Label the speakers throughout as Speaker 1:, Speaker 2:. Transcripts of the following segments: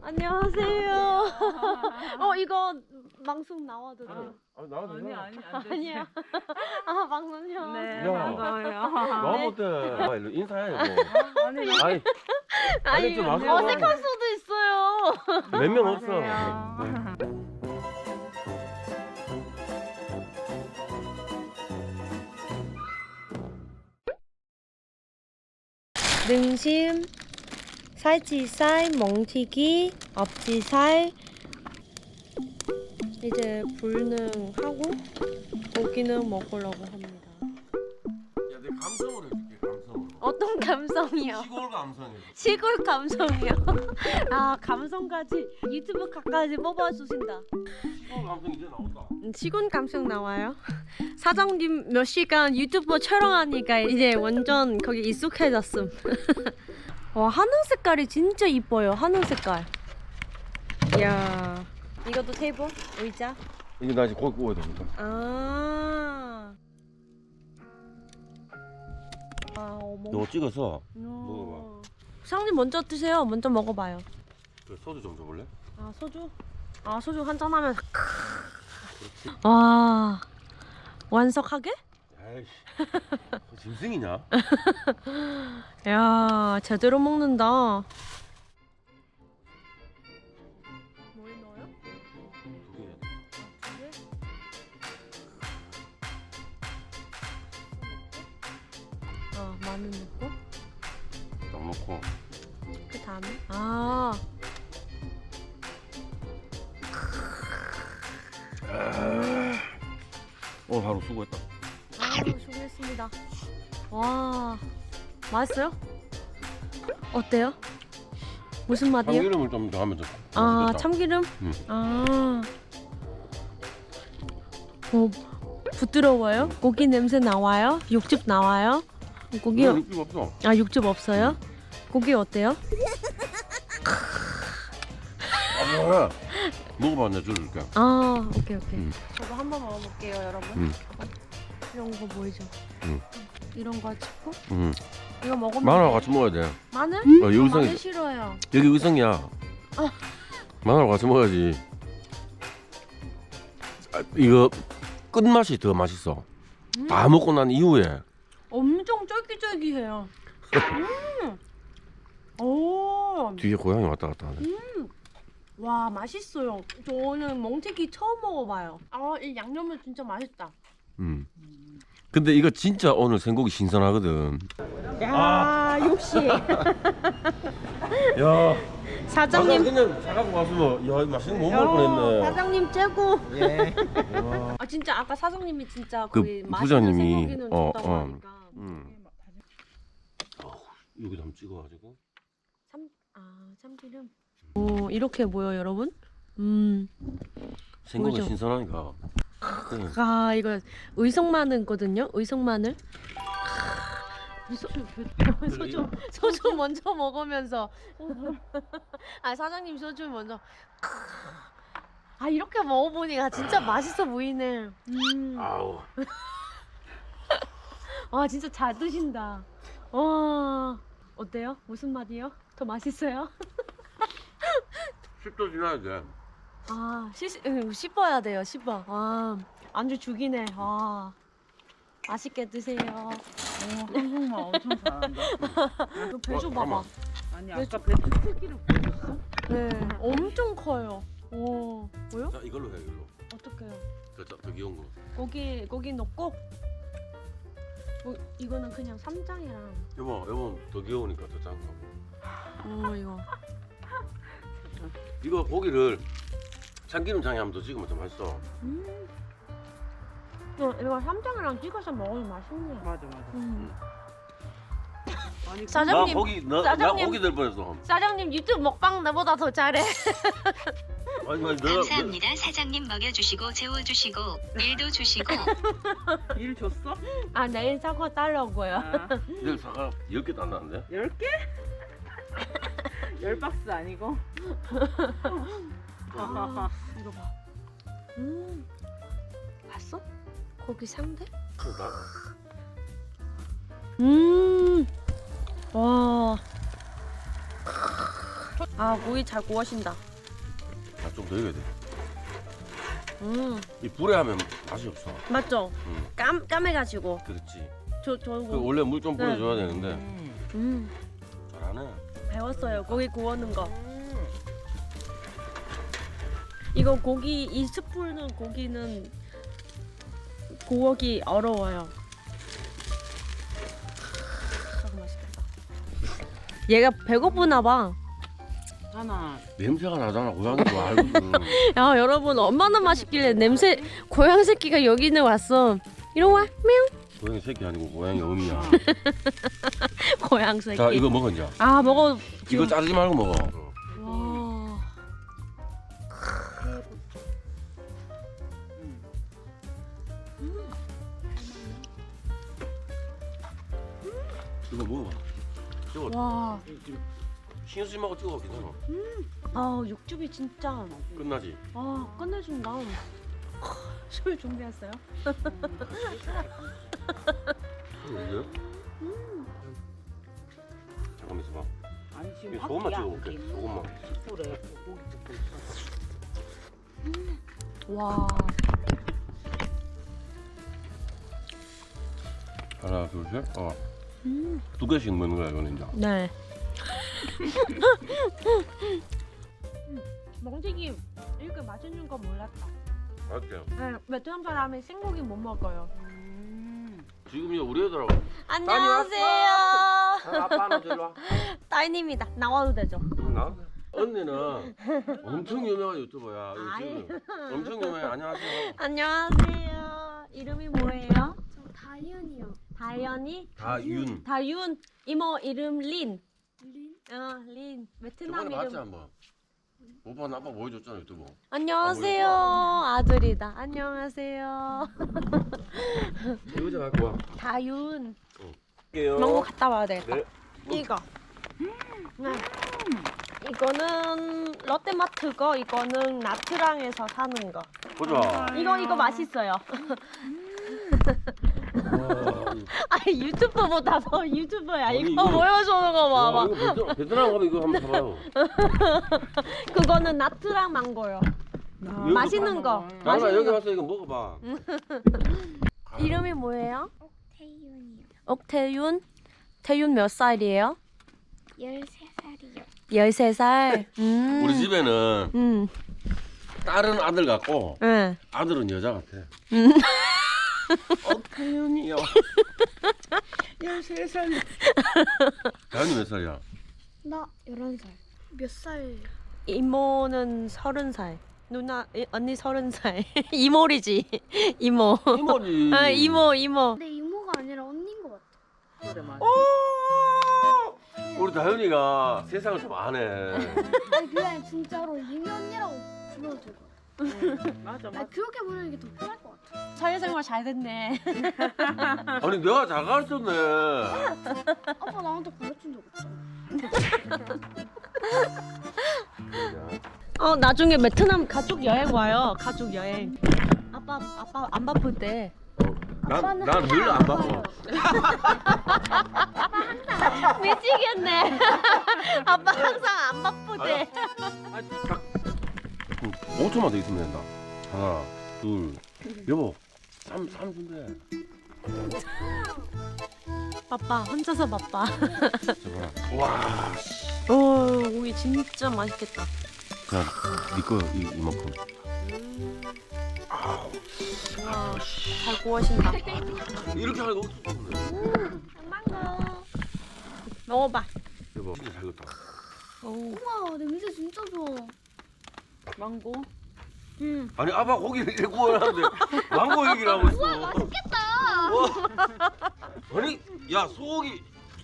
Speaker 1: 안녕하세요. 이거 방송 나와도 돼요?
Speaker 2: 나와도
Speaker 3: 아니
Speaker 2: 되나?
Speaker 3: 아니 안 되지.
Speaker 1: 아니요. 아, 방송요?
Speaker 3: 네,
Speaker 2: 야.
Speaker 3: 반가워요.
Speaker 2: 나와 못해. 일로 인사해 이거.
Speaker 3: 아니
Speaker 2: 아니 아니, 좀 와서.
Speaker 1: 어색할 수도 있어요.
Speaker 2: 몇 명 없어.
Speaker 1: 등심, 살치살, 멍튀기, 앞지살. 이제 불능하고 고기는 먹으려고 합니다.
Speaker 2: 야, 내 감성으로 해줄게. 감성으로.
Speaker 1: 어떤 감성이요?
Speaker 2: 시골 감성이.
Speaker 1: 시골 감성이요? 아, 감성까지 유튜브 각까지 뽑아주신다.
Speaker 2: 시골 감성 이제 나온다.
Speaker 1: 시골 감성 나와요? 사장님 몇 시간 유튜브 촬영하니까 이제 완전 거기 익숙해졌음. 와, 하늘 색깔이 진짜 이뻐요. 하늘 색깔. 이야. 이것도 테이블? 의자?
Speaker 2: 이게 나 이제 고기 구워야 됩니다.
Speaker 1: 아. 어머.
Speaker 2: 이거 찍어서 먹어봐.
Speaker 1: 사장님 먼저 드세요. 먼저 먹어봐요.
Speaker 2: 그래, 소주 좀 줘볼래?
Speaker 1: 아, 소주? 아, 소주 한잔 하면 와. 완석하게?
Speaker 2: 아이씨. 짐승이냐?
Speaker 1: 야, 제대로 먹는다. 뭘 넣어요?
Speaker 2: 두 개.
Speaker 1: 마늘 넣고
Speaker 2: 딱 넣고.
Speaker 1: 그 다음에
Speaker 2: 오늘 하루 수고했다.
Speaker 1: 수고했습니다. 와, 맛있어요? 어때요? 무슨 맛이에요?
Speaker 2: 참기름을 좀 더 하면 좀.
Speaker 1: 아,
Speaker 2: 맛있겠다.
Speaker 1: 참기름?
Speaker 2: 응.
Speaker 1: 아. 부드러워요? 고기 냄새 나와요? 육즙 나와요? 고기
Speaker 2: 육즙 없어.
Speaker 1: 아, 육즙 없어요? 고기 어때요?
Speaker 2: 뭐야? 먹어봐, 내가 줄게.
Speaker 1: 아, 오케이.
Speaker 2: 응.
Speaker 1: 저도 한번 먹어볼게요, 여러분.
Speaker 2: 응.
Speaker 1: 이런 거 보이죠?
Speaker 2: 응.
Speaker 1: 이런 거 찍고
Speaker 2: 응.
Speaker 1: 이거 먹으면
Speaker 2: 마늘하고 같이 먹어야 돼.
Speaker 1: 마늘?
Speaker 2: 여기 의성이
Speaker 1: 마늘 싫어요.
Speaker 2: 여기 의성이야.
Speaker 1: 아.
Speaker 2: 마늘하고 같이 먹어야지. 이거 끝맛이 더 맛있어. 다 먹고 난 이후에.
Speaker 1: 엄청 쫄깃쫄깃해요. 오,
Speaker 2: 뒤에 고양이 왔다 갔다 하네.
Speaker 1: 와, 맛있어요. 저는 멍튀기 처음 먹어봐요. 아, 이 양념은 진짜 맛있다.
Speaker 2: 근데 이거 진짜 오늘 생고기 신선하거든.
Speaker 1: 야, 역시
Speaker 2: 야,
Speaker 1: 사장님.
Speaker 2: 그냥 사갖고 왔으면 야, 맛있는 거 못 먹을 뻔했네.
Speaker 1: 사장님 최고.
Speaker 3: 예.
Speaker 1: 아, 진짜 아까 사장님이 진짜
Speaker 2: 그
Speaker 1: 거의
Speaker 2: 부장님이,
Speaker 1: 맛있는 생고기는 줬다고 하니까.
Speaker 2: 여기다 한번 찍어가지고.
Speaker 1: 참기름. 오, 이렇게 보여, 여러분?
Speaker 2: 생고기
Speaker 1: 보이죠?
Speaker 2: 신선하니까.
Speaker 1: 아, 이거 의성 마늘거든요. 의성 마늘. 소주 먼저 먹으면서. 아, 사장님 소주 먼저. 아, 이렇게 먹어보니까 진짜 맛있어 보이네.
Speaker 2: 아우.
Speaker 1: 아, 진짜 잘 드신다. 와, 어때요? 무슨 맛이요? 더 맛있어요?
Speaker 2: 10도 지나야 돼.
Speaker 1: 아, 씹어야 돼요. 씹어. 아, 안주 죽이네. 아, 맛있게 드세요.
Speaker 3: 한국말 엄청 잘한다.
Speaker 1: 그 배주 봐봐.
Speaker 3: 아니 아까 배추 크기를 보여줬어?
Speaker 1: 네, 엄청 커요. 오, 뭐요?
Speaker 2: 자, 이걸로 해, 이걸로.
Speaker 1: 어떡해요?
Speaker 2: 더 귀여운 거.
Speaker 1: 고기 넣고. 이거는 그냥 쌈장이랑.
Speaker 2: 여보 더 귀여우니까 더 작은 거.
Speaker 1: 이거.
Speaker 2: 이거 고기를 참기름장에 한번 더 찍으면 더 맛있어.
Speaker 1: 이거 쌈장이랑 찍어서 먹으면 맛있네.
Speaker 3: 맞아. 아니
Speaker 1: 사장님,
Speaker 2: 나
Speaker 1: 사장님.
Speaker 2: 고기 될 뻔했어.
Speaker 1: 사장님 유튜브 먹방 나보다 더 잘해.
Speaker 2: 아니
Speaker 4: 감사합니다. 사장님 먹여주시고 재워주시고 일도 주시고.
Speaker 3: 일 줬어?
Speaker 1: 아, 내일 사과 따려고요.
Speaker 3: 아,
Speaker 2: 내일 사과 10개 딴다는데?
Speaker 3: 10개? 10박스 아니고?
Speaker 1: 아, 이거 봐. 봤어? 고기 상대? 와. 아 고기 잘 구워진다.
Speaker 2: 아, 좀 더 익어야 돼.
Speaker 1: 음
Speaker 2: 이 불에 하면 맛이 없어.
Speaker 1: 맞죠?
Speaker 2: 응.
Speaker 1: 까매가지고
Speaker 2: 그렇지.
Speaker 1: 저
Speaker 2: 그 원래 물 좀 뿌려줘야 되는데 잘하네.
Speaker 1: 배웠어요 고기 구우는 거. 이거 고기 이 스프는 고기는 구우기 어려워요. 너무 맛있겠다. 얘가 배고프나 봐.
Speaker 3: 하나.
Speaker 2: 냄새가 나잖아. 고양이 거 알거든.
Speaker 1: 야 여러분 얼마나 맛있길래 냄새 고양 새끼가 여기는 왔어. 이리 와 명.
Speaker 2: 고양이 새끼 아니고 고양이 어미야.
Speaker 1: 고양 새끼.
Speaker 2: 자, 이거 먹어 이제.
Speaker 1: 아 먹어.
Speaker 2: 이거 자르지 말고 먹어.
Speaker 1: 와.
Speaker 2: 이거 먹어봐. 찍어.
Speaker 1: 와.
Speaker 2: 신수님하고 찍어 괜찮아.
Speaker 1: 아 육즙이 진짜.
Speaker 2: 끝나지.
Speaker 1: 아 끝내준다. 술 준비했어요?
Speaker 2: 이거? 잠깐만 있어봐.
Speaker 3: 아니 지금
Speaker 2: 이거 소금만
Speaker 3: 확
Speaker 2: 찍어볼게.
Speaker 3: 야,
Speaker 2: 소금만.
Speaker 3: 숯불에 고기 굽고 있어.
Speaker 1: 와.
Speaker 2: 하나, 둘, 셋. 두 개씩 먹는 거야 이거는 이제.
Speaker 1: 네. 멍튀기 이렇게 맛있는 거 몰랐다.
Speaker 2: 맞지?
Speaker 1: 네, 베트남 사람이 생고기 못 먹어요.
Speaker 2: 지금 이제 우리 애들하고.
Speaker 1: 안녕하세요.
Speaker 2: 아빠는 저리 와.
Speaker 1: 따님이다. 나와도 되죠?
Speaker 2: 나? 언니는 엄청 유명한 유튜버야. 이거
Speaker 1: 아이.
Speaker 2: 지금 엄청 유명해. 안녕하세요.
Speaker 1: 안녕하세요. 이름이 뭐예요?
Speaker 5: 저 다이언이요.
Speaker 1: 다현이?
Speaker 2: 다윤.
Speaker 1: 다윤. 이모 이름 린.
Speaker 5: 린?
Speaker 1: 린. 베트남
Speaker 2: 저번에
Speaker 1: 이름.
Speaker 2: 봤지 한번. 오빠 아빠 보여줬잖아 유튜브.
Speaker 1: 안녕하세요. 아들이다. 안녕하세요.
Speaker 2: 이거 갖고 와.
Speaker 1: 다윤.
Speaker 2: 할게요.
Speaker 1: 망고 갔다 와야 되겠다.
Speaker 2: 네.
Speaker 1: 이거. 네. 이거는 롯데마트 거, 이거는 나트랑에서 사는 거.
Speaker 2: 보자.
Speaker 1: 이거 맛있어요.
Speaker 2: 와,
Speaker 1: 아니 유튜버보다 더 유튜버야.
Speaker 2: 아니,
Speaker 1: 이거
Speaker 2: 이거-
Speaker 1: 보여주는 거
Speaker 2: 와,
Speaker 1: 봐봐.
Speaker 2: 이거 베트남 가면 이거 한번 사봐요.
Speaker 1: 그거는 나트랑 망고요.
Speaker 2: 여기
Speaker 1: 맛있는 거.
Speaker 2: 나나
Speaker 1: 맛있는
Speaker 2: 여기
Speaker 1: 거.
Speaker 2: 와서 이거 먹어봐.
Speaker 1: 이름이 뭐예요?
Speaker 5: 태윤이요.
Speaker 1: 옥태윤. 태윤 몇 살이에요?
Speaker 5: 13살이요.
Speaker 1: 13살.
Speaker 2: 우리 집에는 딸은 아들 같고
Speaker 1: 응.
Speaker 2: 아들은 여자 같아. 태윤이요. 13살. 다현이 몇 살이야?
Speaker 5: 나 11살. 몇 살?
Speaker 1: 이모는 30살. 누나 언니 30살. 이모리지. 이모.
Speaker 2: 이모지.
Speaker 1: 아, 이모.
Speaker 5: 내 이모가 아니라 언니인 것 같아.
Speaker 3: 그래 맞아.
Speaker 2: 우리 다현이가 세상을 좀 아네.
Speaker 5: 아니 그냥 진짜로 이미 언니라고 불러도 될 것 같아.
Speaker 3: 맞아 맞아.
Speaker 5: 아니 그렇게 부르는 게 더 편할 것 같아.
Speaker 1: 사회생활 잘 됐네.
Speaker 2: 아니 내가 잘 가르쳤네.
Speaker 5: 아빠 나한테 가르친 적 없잖아.
Speaker 1: 나중에 베트남 가족 여행 와요. 가족 여행. 아빠 안 바쁠 때.
Speaker 5: 아빠는
Speaker 2: 난늘 안 바빠.
Speaker 1: 미치겠네. 아빠 항상 안 바쁠 때.
Speaker 2: 아니, 딱 5초만 더 있으면 된다. 하나, 둘, 여보, 3 준대.
Speaker 1: 바빠. 혼자서 바빠.
Speaker 2: 잠깐만. 와,
Speaker 1: 오, 고기 진짜 맛있겠다.
Speaker 2: 자, 니거 이만큼.
Speaker 1: 와, 잘 구워진다.
Speaker 2: 이렇게 하니까 없어.
Speaker 1: 망고. 먹어봐.
Speaker 2: 여보, 진짜 잘 익었다.
Speaker 1: 오.
Speaker 5: 우와 냄새 진짜 좋아.
Speaker 3: 망고.
Speaker 2: 아니 아빠 고기를 이렇게 구워놨는데 망고 얘기를 하고 있어.
Speaker 5: 우와 맛있겠다.
Speaker 2: 아니 야 소고기.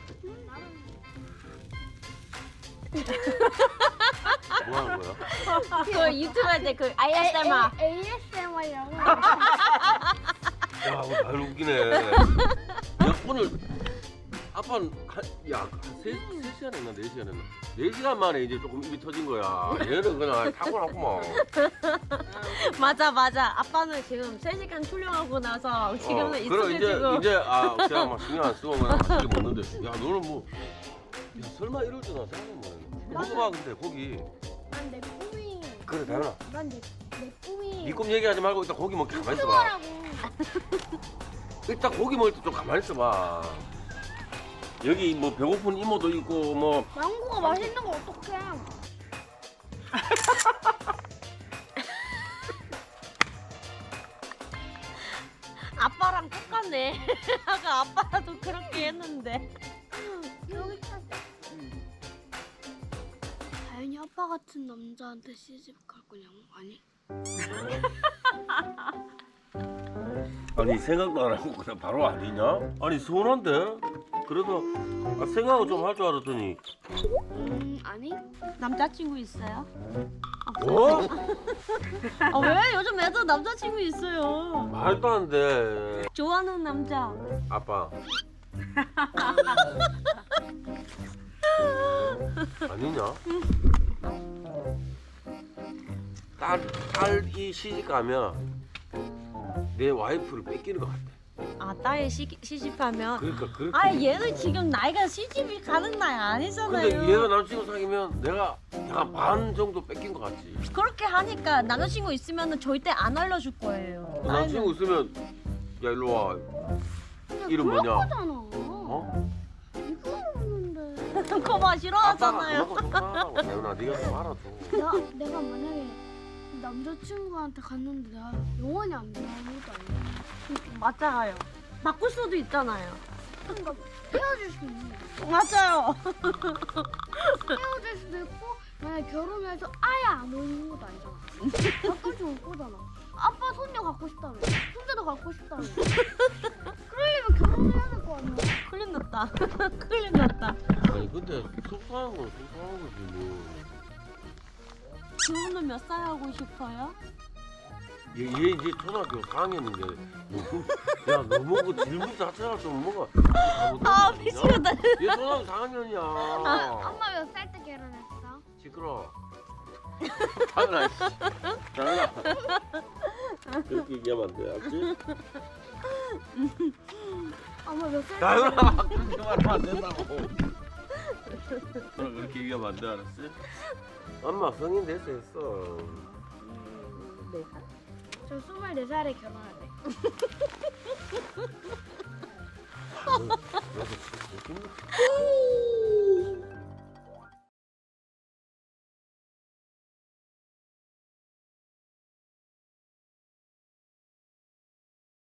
Speaker 2: 뭐 하는 거야?
Speaker 1: 그 유튜브 할 때 그 ASMR.
Speaker 5: ASMR이라고.
Speaker 2: 야, 오늘 잘 웃기네. 야, 오늘 아빠는 한 3시간 했나 4시간 했나? 4시간 만에 이제 조금 입이 터진 거야. 얘는 그냥 타고났구만.
Speaker 1: 맞아. 아빠는 지금 3시간 촬영하고 나서 지금은
Speaker 2: 그럼
Speaker 1: 익숙해지고.
Speaker 2: 이제 그냥 막 신경 안 쓰고 그냥 맛있게 먹는데 야 너는 뭐 야 설마 이럴 줄은 생각은 못 했네. 먹어봐 근데 고기.
Speaker 5: 난 내 꿈이.
Speaker 2: 그래 다현아.
Speaker 5: 난 내 꿈이.
Speaker 2: 네 꿈 얘기하지 말고 일단 고기 먹기 가만히 있어봐.
Speaker 5: 유튜버라고.
Speaker 2: 일단 고기 먹을 때 좀 가만히 있어봐. 여기 뭐 배고픈 이모도 있고 뭐
Speaker 5: 망고가 맛있는 거 어떡해?
Speaker 1: 아빠랑 똑같네. 아까 아빠도 그렇게 했는데.
Speaker 5: 여기 찾아. 다현이 아빠 같은 남자한테 시집 갈 거냐고? 아니.
Speaker 2: 아니 생각도 안 하고 그냥 바로 아니냐? 아니 서운한데? 그래도 생각을 좀 할 줄 알았더니
Speaker 5: 아니.
Speaker 1: 남자친구 있어요?
Speaker 2: 뭐?
Speaker 1: 아, 왜? 요즘 애들 남자친구 있어요.
Speaker 2: 말도 안 돼.
Speaker 1: 좋아하는 남자.
Speaker 2: 아빠. 아니냐? 딸이 시집 가면 내 와이프를 뺏기는 것 같아.
Speaker 1: 아, 딸이 시집하면.
Speaker 2: 그러니까 그렇게.
Speaker 1: 아, 얘는 지금 나이가 시집이 가는 나이 아니잖아요.
Speaker 2: 근데 얘가 남친구 사귀면 내가 약간 반 정도 뺏긴 것 같지.
Speaker 1: 그렇게 하니까 남자친구 있으면 절대 안 알려줄 거예요.
Speaker 2: 남친구 있으면 야 일로 와. 이름
Speaker 5: 그럴
Speaker 2: 뭐냐?
Speaker 5: 거잖아.
Speaker 2: 어?
Speaker 5: 이거 없는데.
Speaker 1: 그거 봐
Speaker 2: 아빠가
Speaker 1: 싫어하잖아요.
Speaker 2: 그만큼 속상하다고. 대훈아 네가 좀 알아줘.
Speaker 5: 내가 만약에 남자친구한테 갔는데 내가 영원히 안 돼. 아무것도 아니야.
Speaker 1: 맞아요. 바꿀 수도 있잖아요.
Speaker 5: 그러니까 헤어질 수도 있는 거야.
Speaker 1: 맞아요.
Speaker 5: 헤어질 수도 있고 만약에 결혼해서 아예 안 오는 것도 아니잖아. 가끔씩 올 거잖아. 아빠 손녀 갖고 싶다며. 손자도 갖고 싶다며. 그러려면 결혼해야 될 거 아니야.
Speaker 1: 큰일 났다. 큰일 났다.
Speaker 2: 아니 근데 속상한 건 속상한 거지 뭐.
Speaker 1: 지훈은 몇 살 하고 싶어요?
Speaker 2: 얘 이제 초등학교 4학년인데 야 너무 그 질문 자체가 좀 뭐가
Speaker 1: 아, 미치겠다.
Speaker 2: 얘 초등학교 4학년이야.
Speaker 5: 엄마 몇 살 때 결혼했어?
Speaker 2: 시끄러. 당연아. 당연아. 그렇게 얘기하면 안 돼, 알지?
Speaker 5: 엄마 몇 살 때
Speaker 2: 당연아. 그렇게 말하면 안 된다고. 너는 그렇게 얘기하면 안 돼, 알았지? 엄마 성인 됐어 했어.
Speaker 3: 네 살.
Speaker 5: 저 24살에 결혼할래.
Speaker 2: 여기서 웃긴다.